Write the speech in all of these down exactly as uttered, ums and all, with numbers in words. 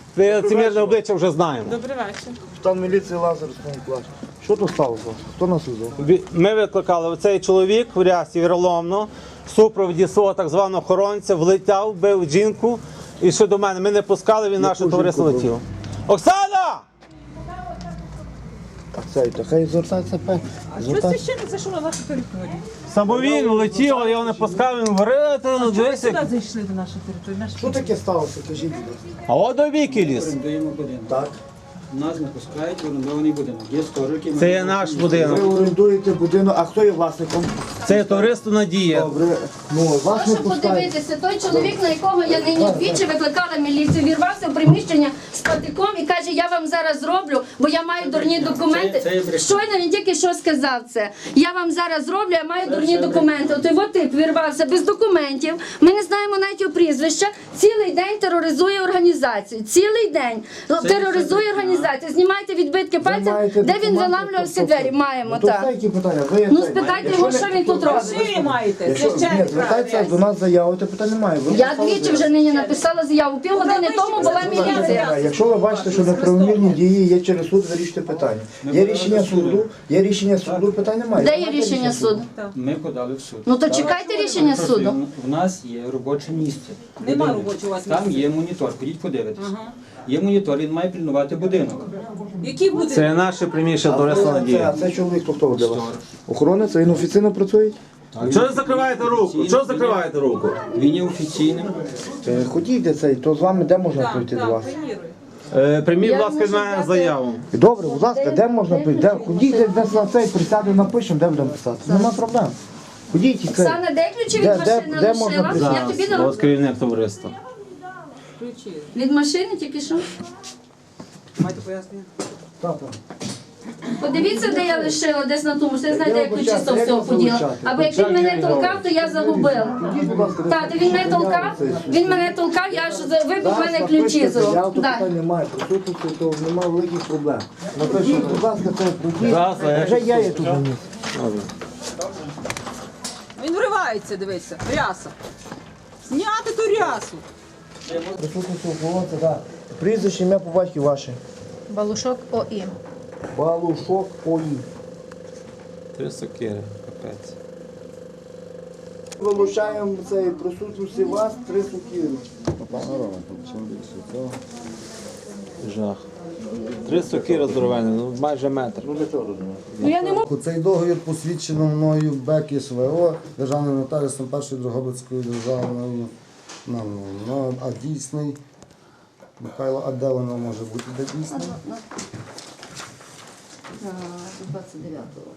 Це лицемірне обличчя вже знаємо. Добрий вечір. Капітан міліції Лазар Станіклав. Що тут сталося? Хто нас визвав? Ві- Ми викликали цей чоловік в рясі віроломно, в супроводі свого так званого охоронця, влетяв, бив жінку і ще до мене. Ми не пускали, він наше Яку товариство жінку летів. Оксана! Цей, та хай звертається пе. Що Звертається. священник зайшов на нашу територію? Самовільно летів, але я його не пускав, він говорив, ну Чому ви дивись. сюди як- зайшли до нашої території? Наш Що таке сталося? Кажіть, будь ласка. А от до віки ліс. Орендуємо будинок. Так. Нас не пускають в орендований будинок. Є сторожки. Це є наш Ви будинок. орендуєте будинок, а хто є власником? Це є товариство Надія. Добре. Ну, вас не Прошу пускають. подивитися, той чоловік, на якого я нині двічі викликала міліцію, вірвався в приміщення з патиком і каже, я вам зараз зроблю, бо я маю дурні Це- це документи. є брехня. Щойно він тільки що сказав це. Я вам зараз зроблю, я маю дурні документи. От його тип вірвався без документів. Ми не знаємо навіть його прізвища. Цілий день тероризує організацію. Цілий день тероризує організацію. Знімайте відбитки Ви пальців, маєте де він документи, заламлював всі то- двері. Маємо Ну, то так. все, які питання? Ви є Ну цей. спитайте Якщо його, не- що він тут робить. Ви маєте, Якщо, ні, священник. звертається до нас заяву, то питань немає. Ви Я написали двічі заяву. вже нині написала заяву. Півгодини тому була міліція. Якщо ви бачите, що неправомірні дії є через суд, вирішуйте питання. Є рішення суду, є рішення суду, питань немає. Де є рішення суду? Ми подали в суд. Ну то чекайте рішення Просто суду. В нас є робоче місце. Нема Будинок. робочого у вас Там місця. є монітор, ходіть подивитись. Є монітор, він має пильнувати будинок. Які буде? Це наше приміщення товариство Це, Надія. а це чоловік, хто хто для вас? Охоронець, він офіційно працює? Чого ви закриваєте руку? Чого ви закриваєте руку? Він є офіційним. Е, Ходіть цей, то з вами де можна Так, прийти до так, вас? приміруй. Е, Прийміть, будь Я ласка, від можу мене дати- заяву. Добре, будь ласка, де можна прийти? Де? Ходіть, де, де на цей присяду напишемо, де будемо писати. Нема проблем. Ходіть і це. Оксана, де ключі від Де- де- машини де можна лишила? Я Зараз, тобі дам ось керівник товариства. Ключі. від машини тільки що. Маєте пояснення? Так, так. Подивіться, де я лишила, десь на тому. Все знаєте, Я як ключі вибачаюся, з того як всього вас поділа. вилучати? Або як він мене толкав, то я загубила. Ходіть, будь ласка, Так, то він мене толкав, він мене толкав, я ж за- вибив в мене ключі з Я рук. тут Так. питань немає, присутності, то немає великих проблем. Напишіть, будь ласка, це пройдіть. Зараз, я Вже я є тут на місці. Він вривається, дивися, ряса. Зняти ту рясу. Присутності охоронця, так. Прізвище, ім'я по батьку ваше. Балушок ОІ. Балушок ОІ. Три сокири, капець. Вилучаємо цей присутності вас три сукіри. Жах. Три сокири здоровенні, ну майже метр. Ну я не можу. Цей договір посвідчено мною БЕК СВО, державним нотаріусом першої Дрогобицької державної, ну, ну, а дійсний. Михайло, а де воно може бути, де дійсний? двадцять дев'ятого.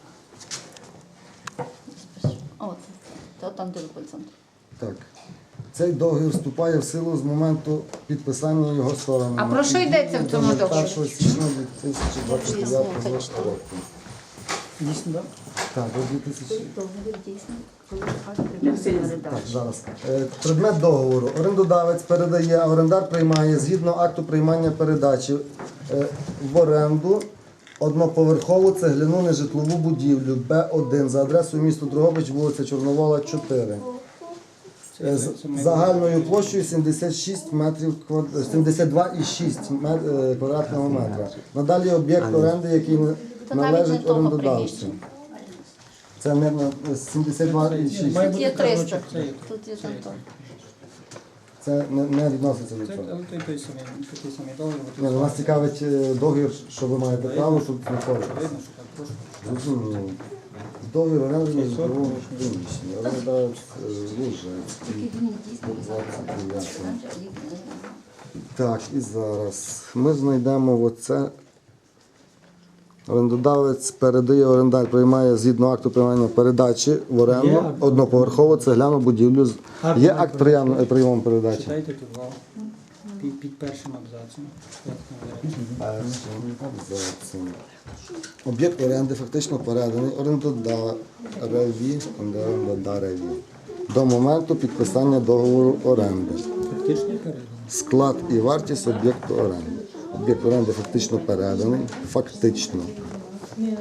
О, це там, де центр. Так. Цей договір вступає в силу з моменту підписання його сторонами. А про що йдеться в цьому договорі? першого січня дві тисячі двадцять дев'ятого року. Дійсно, так? Так, до дві тисячі. Договір дійсно, коли акт Так, зараз. Е, Предмет договору. Орендодавець передає, а орендар приймає згідно акту приймання передачі е, в оренду одноповерхову цегляну нежитлову будівлю Б один за адресою місто Дрогобич, вулиця Чорновола, чотири. Е, з загальною площею сімдесят шість метрів квад- сімдесят два і шість мет- е, квадратного метра. Надалі об'єкт оренди, який не- Та навіть не належить того орендодавцю. приміщення. Це мирно сімдесят два і шість. Тут є триста. Тут є там то. Це не, не відноситься до Це цього. той, той самий, такий самий договір. Ні, ну, нас цікавить е, договір, що ви маєте право, щоб знаходитися. Видно, що так трошки. Зрозуміло. Договір оренди на житловому приміщенні. Орендавець е, Лужецький. двадцять дев'ятого. Так, і зараз ми знайдемо оце. Орендодавець передає, орендар приймає згідно акту приймання передачі в оренду одноповерхову цегляну будівлю. з- Є акт прийому, прийому передачі? Читайте тут вал. Під, під першим абзацом. Як там виразно. Першим абзацом. Об'єкт оренди фактично переданий орендодареві, орендареві до моменту підписання договору оренди. Фактично переданий. Склад і вартість об'єкту оренди. Об'єкт оренди фактично переданий. Фактично.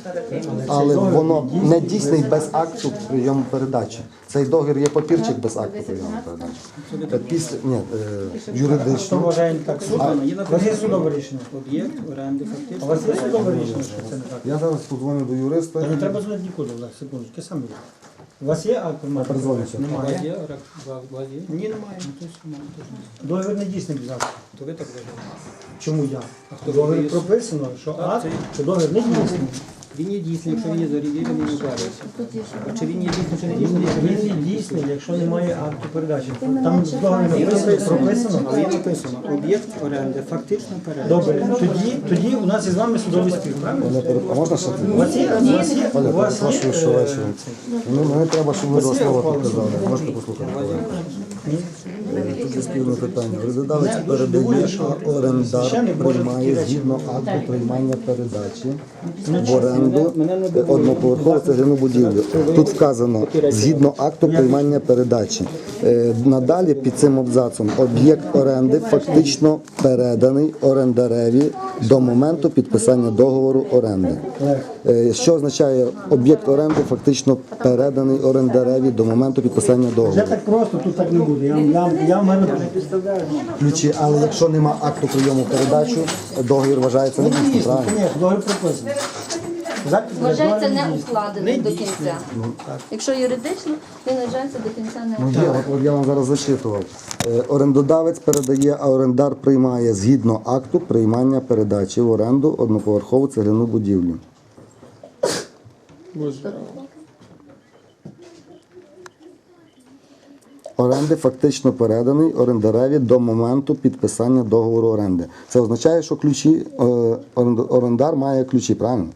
Але воно не дійсний без акту прийому передачі. Цей договір є папірчик без акту прийому передачі. Е, Після, ні, е, Хто юридично. вважає не так? Суд, є написано судове рішення. Об'єкт оренди фактично. А у вас є судове рішення, що це не так? Я зараз подзвоню до юриста. Та не треба дзвонити нікуди, Олег, секундочку, я сам буду. У вас є акт приймати? передзвоню передачу? сьогодні. Немає. Є, рак- ва- є? Ні, немає. Ну, то есть, ну, то ж не. Договір не дійсний без акту. То ви так вважаєте? Чому я? хто Договір виніс? прописано, що Так, акт, це- що договір не дійсний. Він є дійсний, якщо він є зареєстрований, він не укладається. А чи він є дійсний, чи не дійсний? Він не дійсний, якщо немає акту передачі. Там в договорі написано, прописано. Але є написано, об'єкт оренди фактично передачі. Добре, тоді, тоді у нас із вами судовий спір, правильно? А можна ще? У вас є, у вас є, Оля, у вас є, перепрошую, що е, вечором. Ну, мені треба, щоб ви два слова підказали. Можете послухати? Е, Тут є спільне питання. Орендодавець передає, а орендар приймає згідно акту приймання передачі в оренду одноповерхову цегляну будівлю. Тут вказано згідно акту приймання передачі. Е, Надалі під цим абзацом об'єкт оренди фактично переданий орендареві до моменту підписання договору оренди. Е, Що означає об'єкт оренди фактично переданий орендареві до моменту підписання Вже договору? так просто, тут так не буде. Я, я, я в мене Ключі, але якщо нема акту прийому передачу, договір вважається не дійсним, дійсно, правильно? ні, договір прописаний. Запис Вважається договору не дійсний. укладеним до Не кінця. Якщо юридично, він вважається до кінця не Ну, є, укладеним. от, от я вам зараз зачитував. Е, Орендодавець передає, а орендар приймає згідно акту приймання передачі в оренду одноповерхову цегляну будівлю. Оренди фактично переданий орендареві до моменту підписання договору оренди. Це означає, що ключі, е, оренд- орендар має ключі, правильно?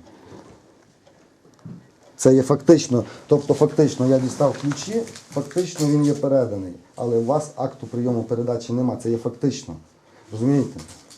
Це є фактично, тобто фактично я дістав ключі, фактично він є переданий. Але у вас акту прийому передачі нема, це є фактично. Розумієте?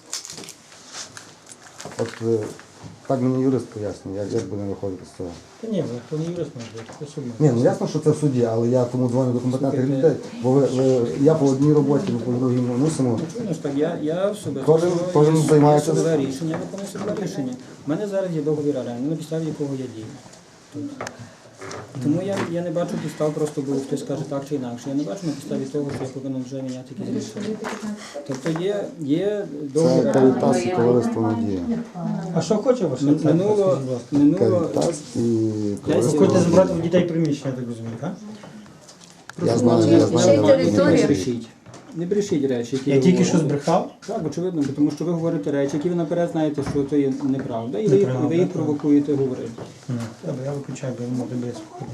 От е, так мені юрист пояснює, як, як буде виходити з цього. Та ні, ви то не юрист може бути, це суд. Ні, ну ясно, що це в суді, але я тому дзвоню до компетентних людей, бо ви, ви, я по одній роботі, ви по другій не мусимо. Ну, ж так, я, я в себе Кожен- судове- кожен є займається- судове рішення, я виконую судове рішення. У мене зараз є договір оренди, на підставі якого я дію. Тут. Тому я, я не бачу підстав, просто бо хтось скаже так чи інакше. Я не бачу на підставі того, що я повинен вже міняти якісь рішення. Тобто є, є договір Це оренди. Карітас і товариство Надія. А що хоче ваш Мин- Минуло, минуло Карітас і Ви товариство. хочете забрати в дітей приміщення, я так розумію, так? Я знаю, я Ще й знаю. територію. не брешіть. Не брешіть речі, які Я ви тільки що говорите. збрехав. Так, очевидно, бо тому що ви говорите речі, які ви наперед знаєте, що це є неправда, і ви, їх- Неправда, ви їх так. провокуєте говорити. Добре, я виключаю, бо я можу без слухати.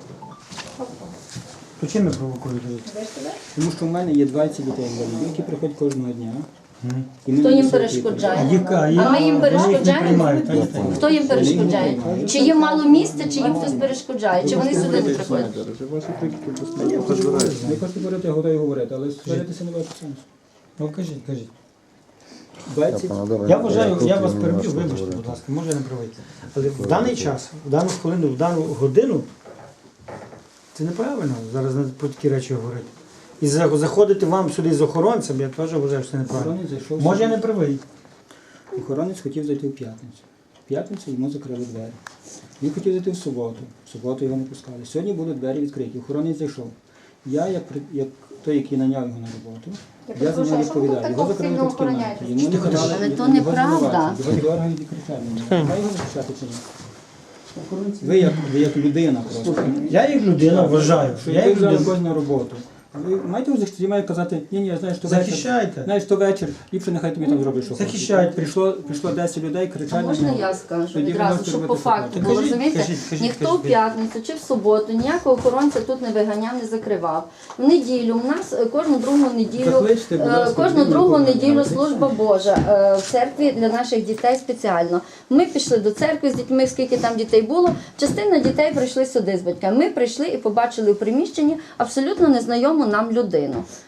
То чим ви провокуєте? Тому що в мене є двадцять дітей інвалідів, які приходять кожного дня. І ми Хто на їм це перешкоджає? Їх, а, їх, А ми їм вони їх не перешкоджаємо? приймають, так? так. Хто їм перешкоджає? Чи їм мало місця, чи їм хтось перешкоджає? Чи вони сюди не приходять? Ні, я хочу говорити. Не хочу говорити, я готовий говорити, але сваритися не бачу сенсу. Ну кажіть, кажіть. двадцять. Я вважаю, я вас переб'ю, вибачте, будь ласка, може я не правий. Але в даний час, в дану хвилину, в дану годину, це неправильно зараз на- про такі речі говорити. І за- заходити вам сюди з охоронцем, я теж вважаю, що це неправильно. Охоронець зайшов. Може я не правий. Охоронець хотів зайти в п'ятницю. В п'ятницю йому закрили двері. Він хотів зайти в суботу. В суботу його не пускали. Сьогодні будуть двері відкриті. Охоронець зайшов. Я, як, при- як той, який наняв його на роботу, я за нього відповідаю. Його закрили тут в кімнаті. Йому не дали, Але то його неправда. звинувачують, Його дергають і кричать на нього. Має його захищати чи ні? Ви як, ви як людина просто. Я як людина вважаю, Що я ви як взяли людина. когось на роботу. Ви маєте його захистити, має казати, ні, ні, знаєш, то вечір. Захищайте. Знаєш, то вечір, ліпше нехай тобі там зроблять, що хочеш. Захищайте. Прийшло, прийшло десять людей, кричать А на можна нього. я скажу Тоді ви відразу, можете щоб по робити факту таке. було, Кажіть, розумієте? кажіть, кажіть, Ніхто кажіть. в п'ятницю чи в суботу ніякого охоронця тут не виганяв, не закривав. В неділю у нас е, кожну другу неділю, Закличте, будь е, ласка, кожну людину, другу яку ви неділю знаєте. служба Божа е, в церкві для наших дітей спеціально. Ми пішли до церкви з дітьми, скільки там дітей було. Частина дітей прийшли сюди з батьками. Ми прийшли і побачили у приміщенні абсолютно незнайому нам людину.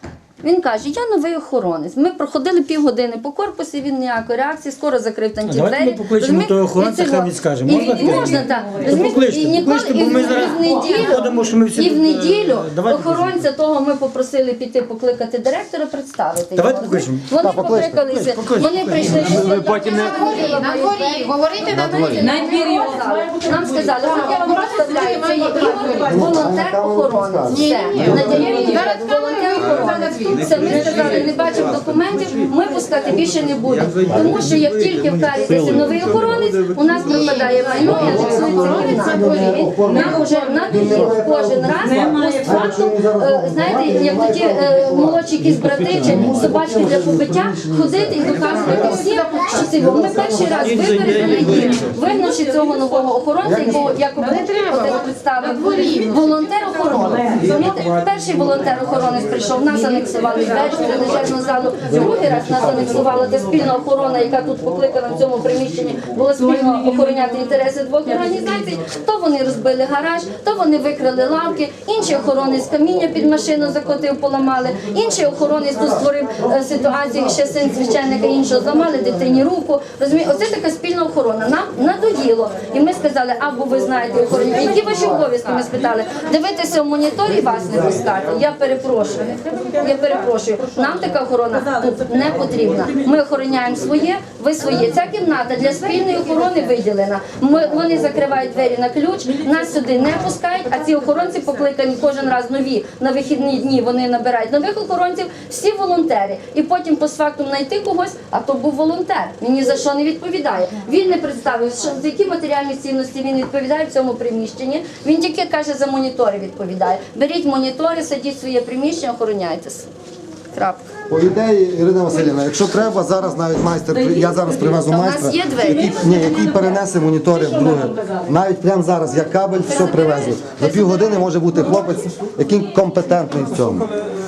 Він каже, я новий охоронець. Ми проходили півгодини по корпусі, він ніякої реакції, скоро закрив там ті Давайте двері. ми покличемо Розумієте? того охоронця, І хай цього. він скаже. І- Можна і- таке? Можна, так. То Розумієте? покличте, І ніколи, покличте, і бо ми в- зараз і в неділю, ходимо, що ми всі і в тут, е, неділю давайте охоронця того ми попросили піти покликати директора, представити Давайте його. покличемо. Вони Так, покличте. покликалися, Покличте, вони прийшли. Ви потім не- На дворі, говорити на дворі. На двірі. Нам сказали, от я вам представляю, це є Ігор, волонтер охоронець. Все. Надія Ігор, волонтер охоронець. Все, ми сказали, не бачимо документів, ми пускати більше не будемо. Тому що як тільки в Карітасі новий охоронець, у нас пропадає майно і анексується кімната. Нам вже надоїло кожен раз постфактум, е, знаєте, як тоді е, молодші якісь брати чи собачки для побиття, ходити і доказувати всім, що це його. Ми перший раз випередили їх, вигнавши цього нового охоронця, якого якоби один представив волонтер охорони. Розумієте? Перший волонтер охоронець прийшов, нас анексували двері в тренажерну залу, другий раз нас анексувала та спільна охорона, яка тут покликана в цьому приміщенні, була спільно охороняти інтереси двох організацій. То вони розбили гараж, то вони викрали лавки, інший охоронець каміння під машину закотив, поламали, інший охоронець тут створив е, ситуацію, ще син священника іншого зламали дитині руку. Розумієте, оце така спільна охорона. Нам надоїло. І ми сказали, або ви знаєте охорону, які ваші обов'язки? Ми спитали, дивитися в моніторі вас не пускати. Я перепрошую. Я перепрошую. Нам така охорона тут не потрібна. Ми охороняємо своє, ви своє. Ця кімната для спільної охорони виділена. Ми, вони закривають двері на ключ, нас сюди не пускають, а ці охоронці покликані кожен раз нові. На вихідні дні вони набирають нових охоронців, всі волонтери. І потім постфактум знайти когось, а то був волонтер. Він ні за що не відповідає. Він не представив, що, за які матеріальні цінності він відповідає в цьому приміщенні. Він тільки каже, за монітори відповідає. Беріть монітори, садіть в своє приміщення, охороняйтесь. Крапка. По ідеї, Ірина Васильівна, якщо треба, зараз навіть майстер, при- я зараз привезу А в нас майстра, є двері? який, ні, який перенесе монітори в друге. Навіть прямо зараз, як кабель, все привезу. За півгодини може бути хлопець, який компетентний в цьому.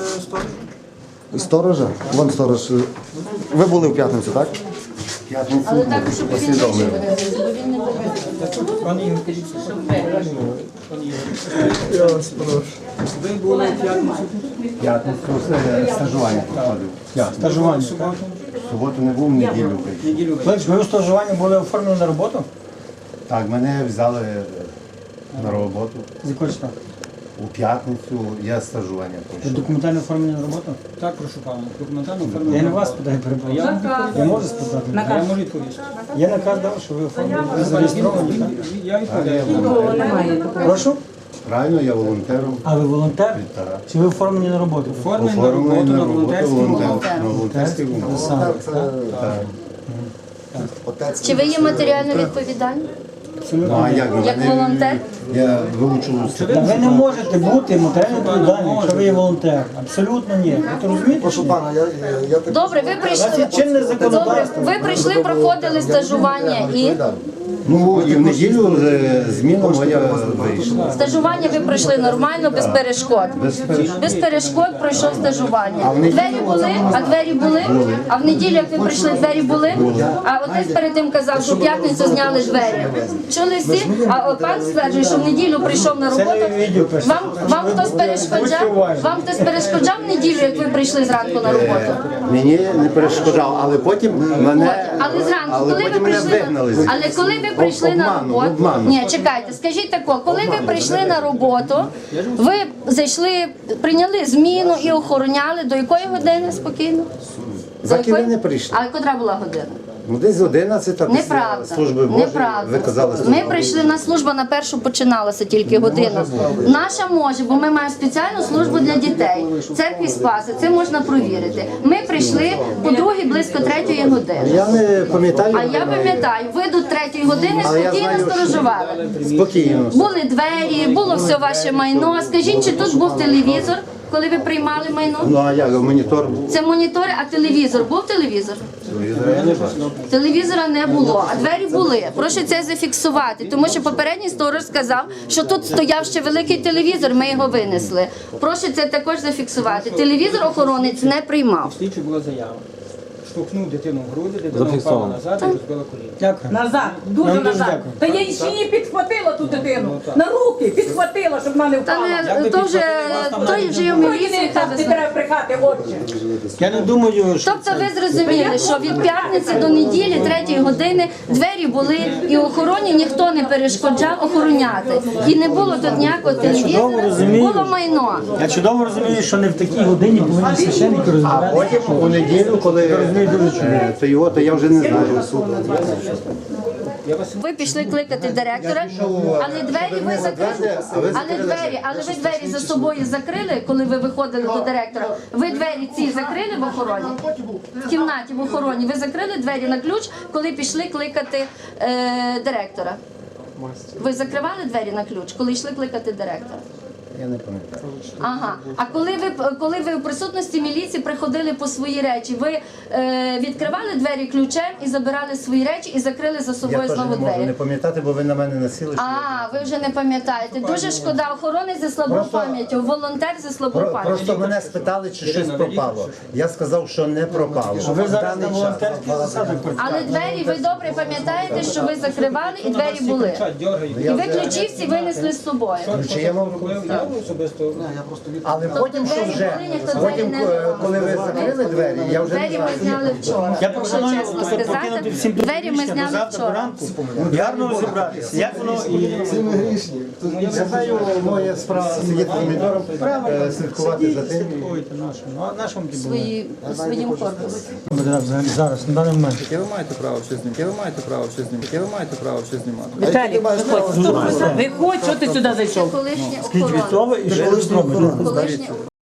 І сторожа? Вон сторож. Ви були в п'ятницю, так? Але так, щоб він не жив, бо він не буде. Пане Ігор, кажіть, що пане Ігор. Ви були в п'ятницю? П'ятницю е, стажування проходив. Стажування, так? В суботу не був, в неділю прийшов. Неділю ви. Клич, ви у стажуванні були оформлені на роботу? Так, мене взяли е, на роботу. З якої числа? У п'ятницю я стажування Ви пройшов. документально оформлені на роботу? Так, прошу пана. Документально Я оформлено. не вас питаю, перебуваю. Я, Я можу спитати? я можу відповісти. Є наказ дав, що ви оформлені, ви зареєстровані, так? Я відповідаю. Прошу? Правильно, я волонтером. А ви волонтер? Так. Чи ви оформлені на роботу? Оформлено на Оформлений роботу на на роботу волонтерській волонтер. умові. На волонтерській умові. Саме, Це так? отець. Чи ви є матеріально відповідальні? Ну а як? Як Мене- волонтер? Я вивчив Та ви не можете бути матеріально відповідальним, якщо ви є волонтер. Абсолютно ні. Ви то розумієте? Прошу пана, я, я, я так... Добре, ви У вас прийшли. є чинне Добре, законодавство. ви прийшли, проходили стажування і Ну і в неділю е, зміна моя вийшла. стажування ви пройшли нормально, без перешкод. Без перешкод. Без перешкод пройшов стажування. в неділю- Двері були, а двері були. А в неділю, як ви прийшли, двері були. А отець перед тим казав, що в п'ятницю зняли двері. Чули всі? А от пан стверджує, що в неділю прийшов на роботу. Це не відео пише. Вам, вам хтось перешкоджав? Вам хтось перешкоджав в неділю, як ви прийшли зранку на роботу? Мені не перешкоджав, але потім мене, Але зранку, але коли ви потім мене прийшли вигнали. на але коли ви прийшли на Обманом, роботу, обманом. ні, чекайте, скажіть тако, коли ви прийшли на роботу, ви зайшли, прийняли зміну і охороняли до якої години спокійно? За якої? ким ви не прийшли? А котра була година? Ну десь одинадцята після Неправда. служби Божої. Неправда. Ви казали, Ми служба прийшли на службу, на першу починалася тільки година. Наша може, бо ми маємо спеціальну службу для дітей. Церкві Спаси, це можна провірити. Ми прийшли по другій близько третьої години. Я не пам'ятаю. А я пам'ятаю, ви до третьої години Але я спокійно знаю, що- сторожували. Спокійно. Були двері, було все ваше майно. Скажіть, чи тут був телевізор, коли ви приймали майно? Ну а як, монітор був? Це монітори, а телевізор був телевізор? Телевізора я не бачив. Телевізора не було, а двері були. Прошу це зафіксувати, тому що попередній сторож сказав, що тут стояв ще великий телевізор, ми його винесли. Прошу це також зафіксувати. Телевізор охоронець не приймав. Слідчі була заява. штовхнув дитину в груди, дитина впала Зафіксовано. назад і розбила коліно. Дякую. Назад, дуже Нам дуже назад. дякую. Та я ще її підхватила ту дитину. На руки підхватила, щоб вона не Та впала. не то вже той вже в міліції. Ой, так не треба брехати, отче. Я не думаю, що Тобто ви зрозуміли, що від п'ятниці до неділі, третьої години, двері були і охороні ніхто не перешкоджав охороняти. І не було тут ніякого телевізора, розумію. було майно. я чудово розумію, що не в такій годині повинні священники А розбиратися. потім у неділю, коли е, то його, то я вже не знаю. Ви пішли кликати директора, але двері ви закрили. Але двері, але ви двері за собою закрили, коли ви виходили до директора. Ви двері ці закрили в охороні? В кімнаті в охороні. Ви закрили двері на ключ, коли пішли кликати е, директора. Ви закривали двері на ключ, коли йшли кликати директора? Я не пам'ятаю. Ага. А коли ви коли ви в присутності міліції приходили по свої речі, ви е, відкривали двері ключем і забирали свої речі і закрили за Я собою теж знову не можу двері? не пам'ятати, бо ви на мене насіли. що А, ви вже не пам'ятаєте. Дуже шкода. Охоронець зі слабою Просто- пам'яттю, волонтер зі слабою Про- пам'яттю. Просто мене спитали, чи щось пропало. Я сказав, що не пропало. Ви В зараз на даний час. волонтерських засадах працюєте. Але двері ви добре пам'ятаєте, що ви закривали і двері були. І ви ключі всі винесли з собою. Чи я вам Я особисто Але потім, що двері вже, були, ніхто двері потім, не е, закривав. коли ви закрили двері, я вже не Двері ми знаю. зняли вчора. Я Якщо пропоную чесно покинути сказати, всім двері ми приміщення до зняли завтра до вчора. ранку і гарно розібратися. Як воно і Всі ми грішні. Це моя справа сидіти помідором, е, слідкувати за тим. слідкуєте нашому. А нашому ті були. Свої, своїм корпусом. Взагалі зараз, на даний момент. Яке ви маєте право щось знімати? Яке ви маєте право щось знімати? Яке ви маєте право щось знімати? Віталій, виходь. Виходь, що ти сюди зайшов? Колишні Скажіть, охорони. від того і ще раз робите. Колишні